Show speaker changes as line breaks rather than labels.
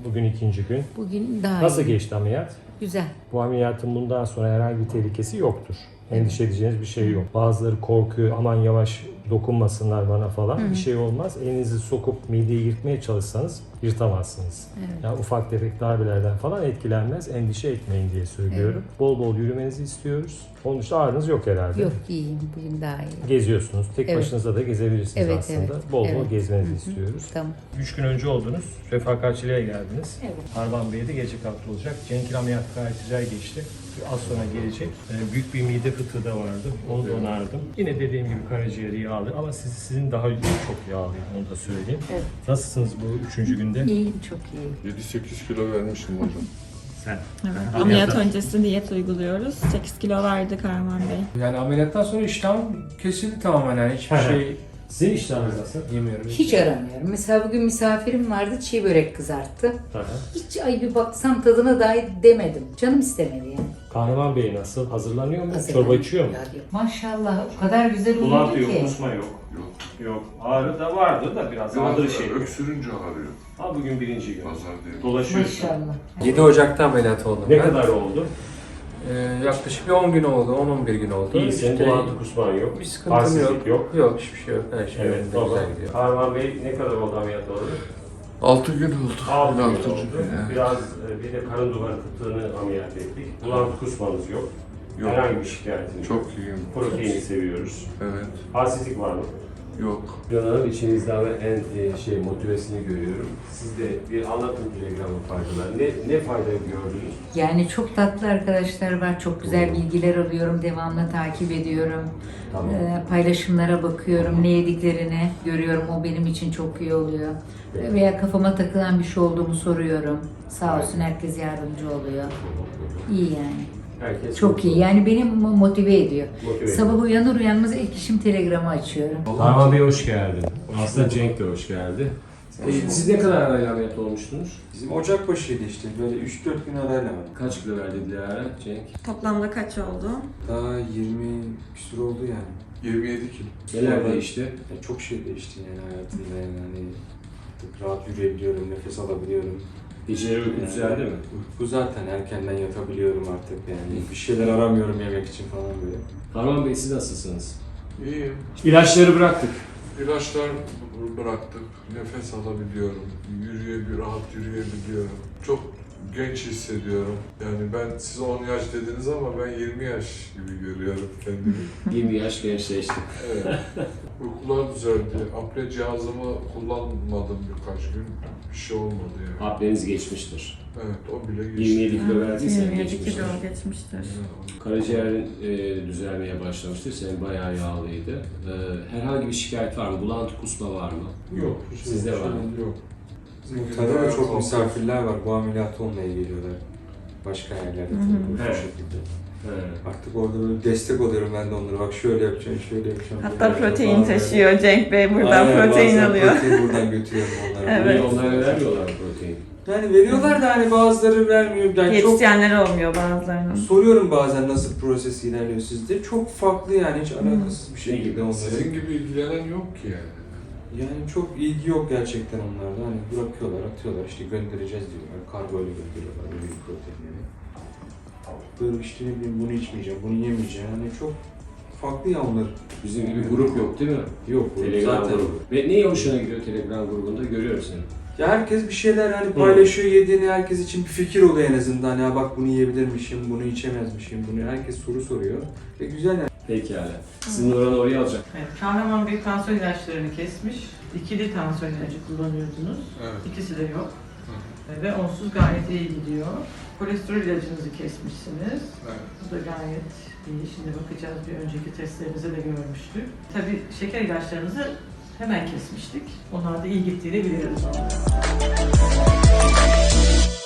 Bugün ikinci gün.
Bugün daha
Nasıl
iyi.
geçti ameliyat?
Güzel.
Bu ameliyatın bundan sonra herhangi bir tehlikesi yoktur. Endişe edeceğiniz bir şey yok. Bazıları korkuyor, aman yavaş dokunmasınlar bana falan. Bir şey olmaz. Elinizi sokup mideyi yırtmaya çalışsanız yırtamazsınız.
Evet.
Yani ufak tefek darbelerden falan etkilenmez. Endişe etmeyin diye söylüyorum. Bol bol yürümenizi istiyoruz. Onun dışında ağrınız yok herhalde.
Yok, iyiyim. Bugün daha iyi.
Geziyorsunuz. Tek
Evet.
başınıza da gezebilirsiniz
Evet,
aslında.
evet.
Bol bol
Evet.
gezmenizi istiyoruz.
Tamam.
3 gün önce oldunuz. Refakatçiliğe geldiniz.
Evet.
Arman Bey'e de gece kalktı olacak. Cenk'in ameliyatı gayet güzel geçti. Az sonra gelecek. Büyük bir mide fıtığı da vardı. Onu da onardım. Yine dediğim gibi karaciğeri yağlı ama sizin daha çok yağlı. Onu da söyleyeyim.
Evet.
Nasılsınız bu 3. günde?
İyiyim, çok iyiyim.
7-8 kilo vermişim hocam.
Sen.
Evet. Ameliyat öncesi diyet uyguluyoruz. 8 kilo verdi Kahraman Bey.
Yani ameliyattan sonra iştahım kesildi tamamen, yani hiçbir şey
Sizin iştahınız nasıl?
yemiyorum.
Hiç aramıyorum. Mesela bugün misafirim vardı, çiğ börek kızarttı. Hiç ay bir baksam tadına dahi demedim. Canım istemedi yani.
Kahraman Bey nasıl? Hazırlanıyor mu?
Hazırlanıyor.
Çorba içiyor mu?
Ya, yok. Maşallah o kadar güzel
Bulantı
uyudu
yok,
ki.
kusma yok.
Yok.
Yok. Ağrı da vardı da biraz ağrı şey.
Öksürünce ağrıyor.
Ama bugün birinci gün.
Pazar değil.
Dolaşıyorsun.
Maşallah.
7 Ocak'ta ameliyat oldum
Ne
ben.
kadar oldu?
Yaklaşık bir 10 gün oldu, 10-11 gün oldu.
İyisin,
İşte
bulantı kusman yok.
bir sıkıntım
Halsizlik
yok. Yok, hiçbir şey yok. Her şey
Evet,
yolunda,
baba.
güzel gidiyor.
Kahraman Bey ne kadar oldu ameliyat oldu?
6 gün oldu.
6 gün
Altıncı
oldu.
gün, evet.
Biraz bir de karın duvarı fıtığını ameliyat ettik. Bulantı kusmanız yok.
Yok.
Herhangi bir şikayetiniz yok.
Çok iyiyim.
Proteini seviyoruz.
Evet.
Halsizlik var mı?
Yok.
Canım içinizden en motivesini görüyorum. Siz de bir anlatın Telegram'ın faydalarını. Ne fayda gördünüz?
Yani çok tatlı arkadaşlar var. Çok güzel bilgiler alıyorum. Devamlı takip ediyorum.
Tamam.
Paylaşımlara bakıyorum. Ne yediklerini görüyorum. O benim için çok iyi oluyor. Veya kafama takılan bir şey olduğumu soruyorum. Sağ olsun herkes yardımcı oluyor. İyi yani.
Herkes
Çok iyi. Yani beni motive ediyor.
Motive ediyor.
Sabah uyanır uyanmaz ilk işim Telegram'ı açıyorum.
Kahraman Bey hoş geldin. Aslında Cenk de hoş geldi. Siz ne kadar arayla ameliyat olmuştunuz?
Bizim Ocak başıydı işte, böyle 3-4 gün arayla var.
Kaç kilo verdi Dilara, Cenk?
Toplamda kaç oldu?
Daha 20 küsur oldu yani.
27 kilo.
Neler değişti?
Yani çok şey değişti yani hayatımda, yani hani artık rahat yürüyebiliyorum, nefes alabiliyorum.
Geceleri uyku düzeldi mi?
Uyku zaten erkenden yatabiliyorum artık yani. Bir şeyler aramıyorum yemek için falan böyle.
Kahraman Bey siz nasılsınız?
İyiyim.
İlaçları bıraktık.
İlaçlar bıraktık. Nefes alabiliyorum. Rahat yürüyebiliyorum. Çok genç hissediyorum. Yani ben size 10 yaş dediniz ama ben 20 yaş gibi görüyorum kendimi.
20 yaş gençleştik.
Evet. Uykular düzeldi. Apne cihazımı kullanmadım birkaç gün. Bir şey olmadı yani.
Apneniz geçmiştir.
Evet, o bile geçti.
27 kilo verdiysen
27
geçmiştir.
kilo geçmiştir.
Karaciğerin düzelmeye başlamıştır. Senin bayağı yağlıydı. Herhangi bir şikayet var mı? Bulantı kusma var mı?
Yok.
Sizde var mı?
Yok.
Muhtemelen da çok misafirler var, bu ameliyatı olmaya geliyorlar. Başka yerlerde tabii bu
Evet.
şekilde.
Evet.
Artık orada böyle destek oluyorum ben de onlara. Bak şöyle yapacağım, şöyle yapacağım.
Hatta
böyle yapacağım
protein
falan
taşıyor Cenk Bey.
böyle.
Buradan
Aynen,
protein
bazen
alıyor.
Protein buradan götürüyorum onlara.
Evet.
Onlara vermiyorlar protein.
Yani veriyorlar da hani bazıları vermiyor. Yani çok
Yetişenler olmuyor bazılarının.
soruyorum bazen nasıl proses ilerliyor sizde. Çok farklı yani, hiç alakasız bir şekilde onları.
Sizin gibi ilgilenen yok ki yani.
Yani çok ilgi yok gerçekten onlarda. Hani bırakıyorlar, atıyorlar, işte göndereceğiz diyorlar. Kargoyla gönderiyorlar böyle proteinleri. Böyle işte ne bileyim, bunu içmeyeceğim, bunu yemeyeceğim. Hani çok farklı ya onlar.
Bizim gibi grup yok değil mi?
Yok bu
Telegram
zaten.
grubu. Ve neye hoşuna gidiyor Telegram grubunda? Görüyorum seni.
Ya herkes bir şeyler hani paylaşıyor, yediğini, herkes için bir fikir oluyor en azından. Ya bak bunu yiyebilirmişim, bunu içemezmişim, bunu herkes soru soruyor. Ve güzel yani.
Pekala. Sizin oranı oraya alacak.
Evet, Kahraman Bey tansiyon ilaçlarını kesmiş. İkili tansiyon ilacı kullanıyordunuz.
Evet.
İkisi de yok. Ve onsuz gayet iyi gidiyor. Kolesterol ilacınızı kesmişsiniz.
Evet.
Bu da gayet iyi. Şimdi bakacağız, bir önceki testlerimize de görmüştük. Tabii şeker ilaçlarınızı hemen kesmiştik. Onlar da iyi gittiğini biliyoruz.